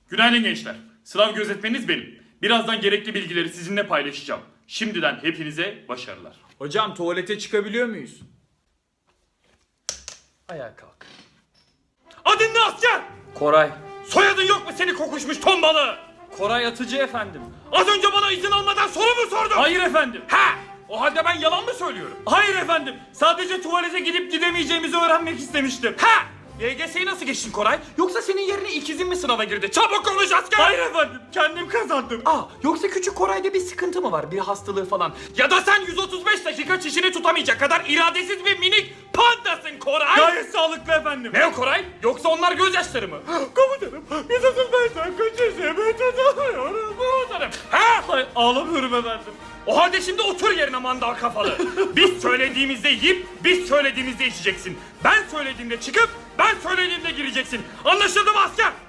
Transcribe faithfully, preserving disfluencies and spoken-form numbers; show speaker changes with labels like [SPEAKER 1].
[SPEAKER 1] Günaydın gençler. Sınav gözetmeniniz benim. Birazdan gerekli bilgileri sizinle paylaşacağım. Şimdiden hepinize başarılar.
[SPEAKER 2] Hocam tuvalete çıkabiliyor muyuz? Ayağa kalk.
[SPEAKER 1] Adın ne asker?
[SPEAKER 2] Koray.
[SPEAKER 1] Soyadın yok mu seni kokuşmuş ton balığı?
[SPEAKER 2] Koray Atıcı efendim.
[SPEAKER 1] Az önce bana izin almadan soru mu sordun?
[SPEAKER 2] Hayır efendim.
[SPEAKER 1] Ha! O halde ben yalan mı söylüyorum?
[SPEAKER 2] Hayır efendim. Sadece tuvalete gidip gidemeyeceğimizi öğrenmek istemiştim.
[SPEAKER 1] Ha! Y G S'yi nasıl geçtin Koray? Yoksa senin yerine ikizin mi sınava girdi? Çabuk konuş asker!
[SPEAKER 2] Hayır efendim. Kendim kazandım.
[SPEAKER 1] Aa, yoksa küçük Koray'da bir sıkıntı mı var? Bir hastalığı falan. Ya da sen yüz otuz beş dakika çişini tutamayacak kadar iradesiz bir minik pandasın Koray!
[SPEAKER 2] Gayet sağlıklı efendim.
[SPEAKER 1] Ne o Koray? Yoksa onlar gözyaşları mı?
[SPEAKER 2] Komutanım. yüz otuz beş dakika çişimi tutamıyorum.
[SPEAKER 1] Komutanım! Ha?
[SPEAKER 2] Hayır ağlamıyorum efendim.
[SPEAKER 1] O halde şimdi otur yerine mandal kafalı. Biz söylediğimizde yiyip, biz söylediğimizde içeceksin. Ben söylediğimde çıkıp, ben söylediğimde gireceksin. Anlaşıldı mı asker?